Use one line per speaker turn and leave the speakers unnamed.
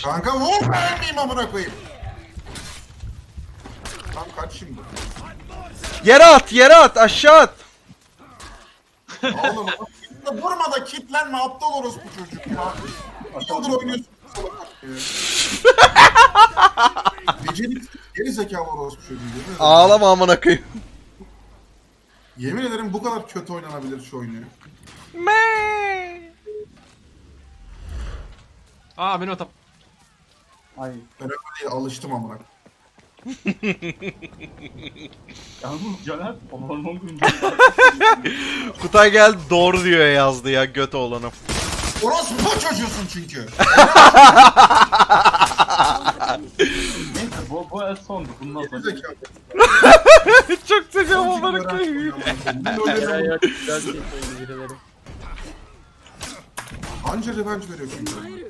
Kanka vur ben miyim amına koyayım? Tam kaç şimdi?
Yere at, aşağı at.
Oğlum vurma da kitlenme aptal orospu çocuk ya. Bir yıldır oynuyorsun. Beceriksiz geri zekalı orospu çocuğu.
Ağlama amına koyayım.
Yemin ederim bu kadar kötü oynanabilir şu oyunu.
Aa benim hatam.
Ay.
Ben öyle değil, alıştım amına.
Yalnız Caner hormon güncü.
Kutay geldi doğru diyor yazdı ya göt oğlanım.
Orospu çocuğusun çünkü.
Neyse bu el sondu. Bundan
Geri
sonra.
zekalı.
Çok sıcağım amına koyayım.
Eren yok. Güzel bir şey söyledi birileri.
Anca revenge veriyor çünkü.